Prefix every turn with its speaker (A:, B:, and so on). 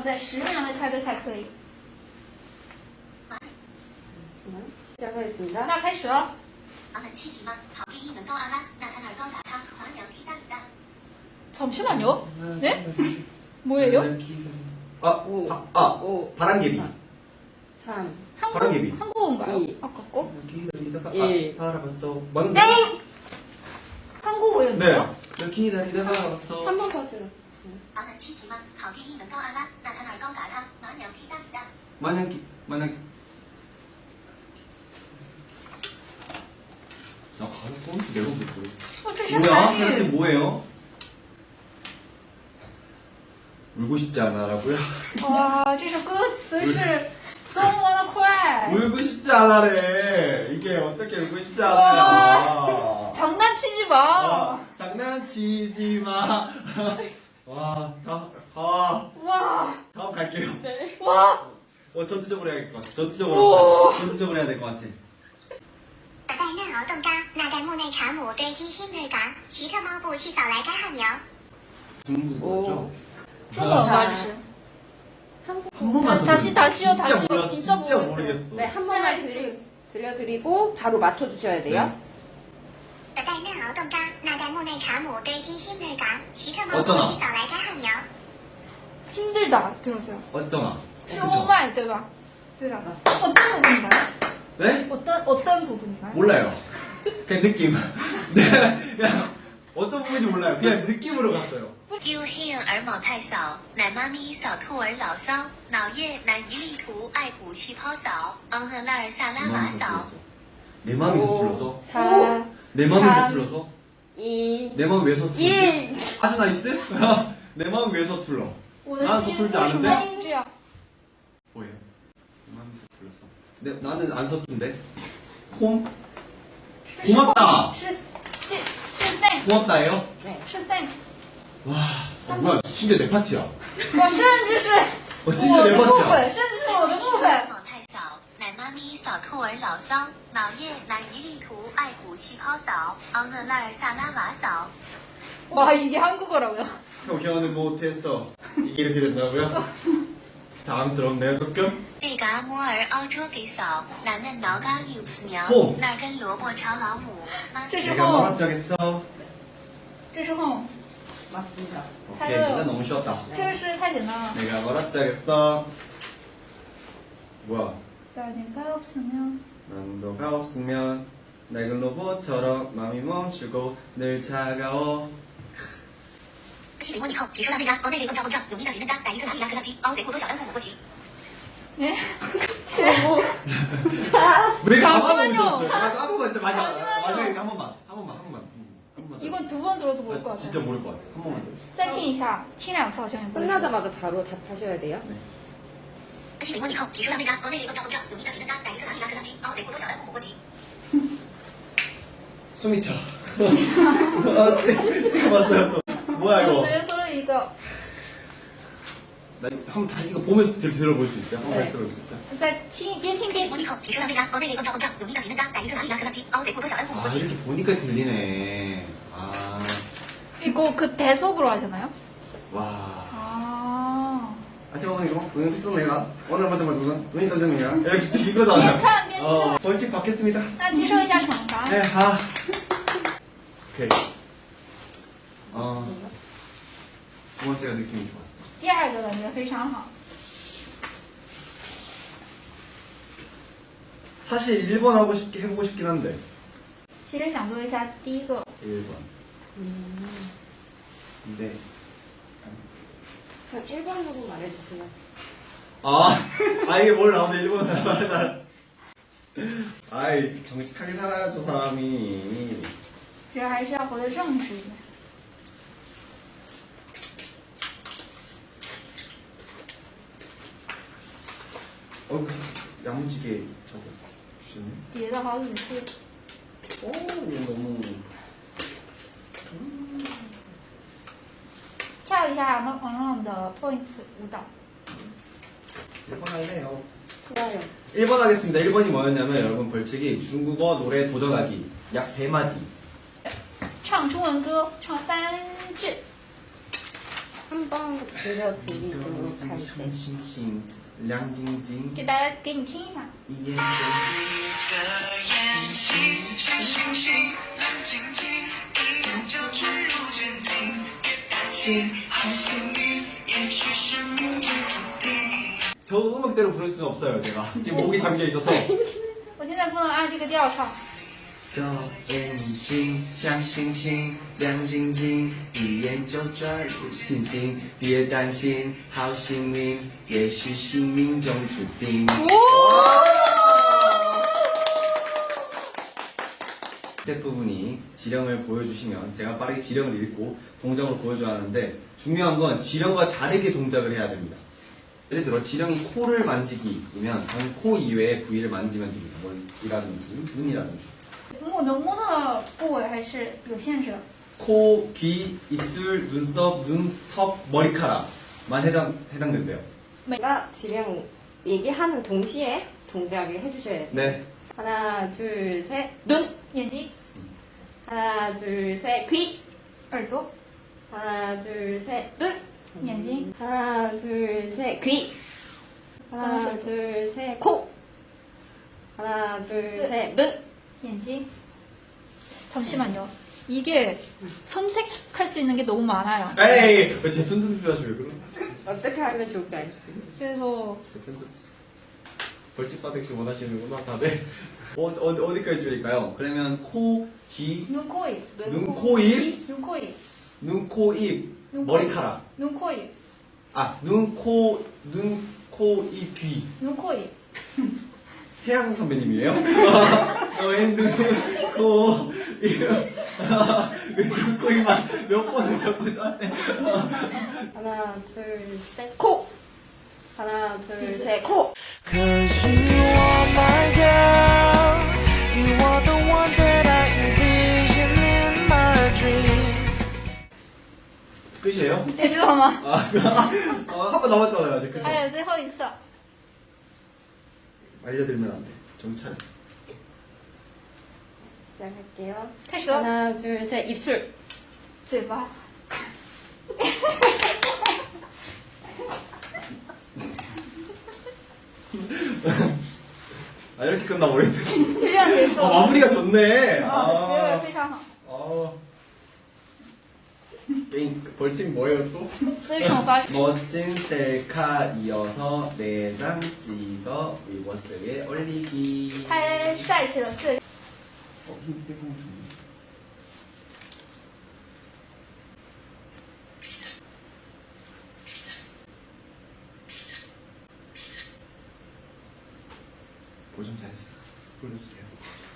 A: 在10秒内猜对才可以。
B: 시작하겠습니다.
A: 那开始了。 잠시만요. 네? 뭐예요?
C: 바람개비.
B: 3,
C: 바람개비.
A: 한국어인가요?
B: 이.
A: 아까 거?
C: 기다리다가
B: 일.
C: 알아봤어.
A: 네! 한국어였나요?
C: 너 기다리다가 알아봤어.
B: 한 번 더 들어.
C: 만약에 나 가사 쏘는지 내가 모르겠어.
A: 这是
C: 뭐야?
A: 韩
C: 그런데
A: 语。
C: 뭐예요? 울고 싶지 않아라고요?
A: 哇，这首歌词是多么的快！
C: 울고 싶지 않아래. 이게 어떻게 울고 싶지 않아요?
A: 장난치지 마.
C: 와, 장난치지 마. 와,
A: 와,
C: 다음 갈게요.
A: 와.
C: 전투적으로 해야겠다.
A: 오.
C: 전투적으로 해야 될 것 같아.
D: 带嫩敖邓嘎，那代木内查姆堆积 Himmler 嘎，奇特猫步气扫来该汉苗。
C: 중국어죠?
A: 中文吧，这是。
C: 한 번만 더
A: 다시, 다시요,
C: 진짜
A: 다시요.
C: 몰랐어.
A: 진짜 모르겠어요.
C: 모르겠어.
B: 네, 한 번만 들려드리고 바로 맞춰주셔야 돼요.
D: 带嫩敖邓嘎，那代木内查姆堆积 Himmler 嘎，奇特猫步
C: 어쩌나?
D: 气扫来该汉苗。
A: 힘들다 들었어요.
C: 어쩌나?
A: 是오마이对吧？对的。 어떤 부분인가요?
C: 네?
A: 어떤 부분인가요?
C: 몰라요. 그냥 느낌. 네, 그냥 어떤 부분인지 몰라요. 그냥 느낌으로 갔어요.
D: 又黑儿某太嫂，奶妈咪扫兔儿老骚，脑叶奶一力图爱补气泡嫂，昂特拉尔萨拉马嫂。
C: 내 마음이 서툴러서?
B: 4,
C: 내 마음이
B: 삼.
C: 서툴러서?
B: 2,
C: 내 마음 왜 서툴지?
B: 1.
C: 아주 나이스? 내 마음 왜 서툴러?
A: 我的
C: 난
A: 心
C: 서툴지
A: 为什么
C: 않은데?
A: 这样？
C: 뭐예요? 내 마음이 서툴러서. 나는 안 서툰데? 홈? 고맙다!
A: 是 thanks，
C: 고맙다예요?
A: 是 thanks。
C: 와, 뭐야, 심지어 내 파티야.
A: 我甚至是
C: 심지어
A: 我
C: 내
A: 的部
C: 파티야.
A: 分，甚至是我的部分。
D: 某太嫂，奶妈咪扫兔儿老骚，脑叶奶一力图爱补气泡嫂，昂特拉尔萨拉瓦嫂。
A: 와 이게 한국어라고요?
C: 표현을 못했어. 이게 이렇게 된다고요? 당황스럽네요, 조금.
D: 那嘎摩儿凹桌给嫂，奶嫩挠嘎 ups 苗
C: 嚯，
D: 那儿跟萝卜炒老母。妈
A: 这是
C: 내가
A: home，
C: 뭐라 짜겠어?
A: 这是 home，
B: 맞습니다.
C: 오케이, 이거 너무 쉬웠다.
A: 这个是太简单了。
C: 내가 뭐라 짜겠어? 뭐야?
A: 내가 없으면
C: 난 너가 없으면 낡은 로봇처럼 마음이 멈추고 늘 차가워.
D: 西林问以后，提出了那嘎，内力更照更正，永一的吉嫩嘎，逮一个哪里嘎格当机，凹贼过多小恩父母过急。
A: 예?
C: 왜 가만히
A: 잠시만요.
C: 멈췄어요? 한 번만 진짜
A: 잠시만요.
C: 마지막에 한 번만.
A: 이건 두 번 들어도 모를 것 같아요.
C: 진짜 모를 것 같아. 한 번만 더.
A: 再听一下，听2次好像也不会说。
B: 끝나자마자 바로 답하셔야 돼요.
D: 西林问以后，提出了那嘎，内力更照更正，永一的吉嫩嘎，逮一个哪里嘎格当机，凹贼过多小恩父母过急。
C: 숨이 차. 찍어봤어요 또. 뭐야
A: 我
C: 이거?
A: 随便说了一个，
C: 나 한번 다시 이거 보면서 들어볼 수 있어요? 한번
A: 네.
C: 다시 들어볼 수 있어요?
A: 再听边听边
D: 西林问以后，提出了那嘎，内力更照更正，永一的吉嫩嘎，逮一个哪里嘎格当机，凹贼过多小恩父母
C: 아
D: 过急。
C: 이렇게 보니까 들리네. 아,
A: 이거 그 대속으로 하잖아요.
C: 와.
A: 아.
C: 아침에 이거 오늘 비싼 내가 오늘 맞아 눈이 떠지는 거야. 이렇게 이거잖아.
A: 边看边听。
C: 벌칙 받겠습니다.
A: 那接受一下惩罚。
C: 네, 아. 오케이. 두 번째가 느낌이 좋았어.
A: 第二个感觉非常好。
C: 사실 1번 해보고 싶긴 한데.
A: 其实想做一下第一个，
C: 1번. 근데
B: 그럼 1번으로 말해주세요.
C: 이게 뭘 나오네 1번 말해달라. 아이 정직하게 살아야죠 사람이.
A: 其实还是要活得正式一点。
C: 야무지게 저거 주시네.
A: 叠的好仔细。
C: 오 이거 너무.
A: 跳一下王的 points 舞蹈。
C: 1번 할래요.
B: 좋아요.
C: 1번 하겠습니다. 1번이 뭐였냐면 여러분 벌칙이 중국어 노래 도전하기 약 3마디.
A: 唱中文歌，唱3句。
B: 한번 들려드리도록 할게요.
C: 星星亮晶晶
A: 给大家给你听一下。
C: 一眼저 음악대로 부를 수는 없어요 제가 지금 목이 잠겨 있어서
A: 我现在不能按这个调唱。
C: 这眼睛像星星亮晶晶，一眼就抓住星星。别担心，好幸运，也许是命中注定。 스텝 부분이 지령을 보여주시면 제가 빠르게 지령을 읽고 동작으로 보여줘야 하는데 중요한 건 지령과 다르게 동작을 해야 됩니다. 예를 들어 지령이 코를 만지기이면 저는 코 이외의 부위를 만지면 됩니다. 머리라든지 눈이라든지
A: 摸的部位还是有限制的。
C: 코, 귀, 입술, 눈썹, 눈, 턱, 머리카락만 해당된대요.
B: 내가 지령 얘기하는 동시에 동작을 해주셔야 돼요.
C: 네.
B: 하나, 둘, 셋, 눈.
A: 眼睛、
B: 하나, 둘, 셋, 귀.
A: 耳朵、
B: 하나, 둘, 셋, 눈.
A: 眼睛、
B: 하나, 둘, 셋, 귀. 하나, 둘, 셋, 코. 하나, 둘, 셋, 눈.
A: 眼睛。 잠시만요. 이게 선택할 수 있는 게 너무 많아요.
C: 에이, 왜 제 팬들 필요하죠, 왜 그럼?
B: 어떻게 하면 좋을까요?
A: 그래서
C: 제 팬들 벌칙 받기 원하시는구나, 다들. 어디까지 줄일까요? 그러면 코, 귀,
A: 눈, 코, 입.
C: 눈, 코, 입,
A: 눈, 코, 입.
C: 눈, 코, 입,
A: 눈, 코,
C: 머리카락.
A: 눈, 코, 입.
C: 아, 눈, 코, 입, 귀.
A: 눈, 코, 입.
C: 태양 선배님이에요? 너의 눈, 코, 입. 눈, 코, 입만 몇 번을 자꾸 저한테.
B: 하나, 둘, 셋, 코. 하나, 둘, 셋, 코.
E: Cause you are my girl. You are the one that I envision in my dreams.
C: 끝이에요?
A: 结束了吗？
C: 한 번 남았잖아요, 아직. 그죠?
A: 还有最后一次。
C: 알려드리면 안 돼. 정찰.
B: 시작할게요.
A: 开始了。
B: 하나, 둘, 셋, 입술.
A: 嘴巴。
C: 아, 이렇게 끝나버렸어.
A: 就这样结束了。
C: 마무리가 좋네.
A: 啊，结尾非常好。
C: 게임 벌칙 뭐예요 또?
A: 所以惩罚是
C: 멋진 셀카 이어서 4장 찍어 위버스에 올리기.
A: 拍帅气的4
C: 힘 빼고 좀. 뭐좀 잘 보여주세요.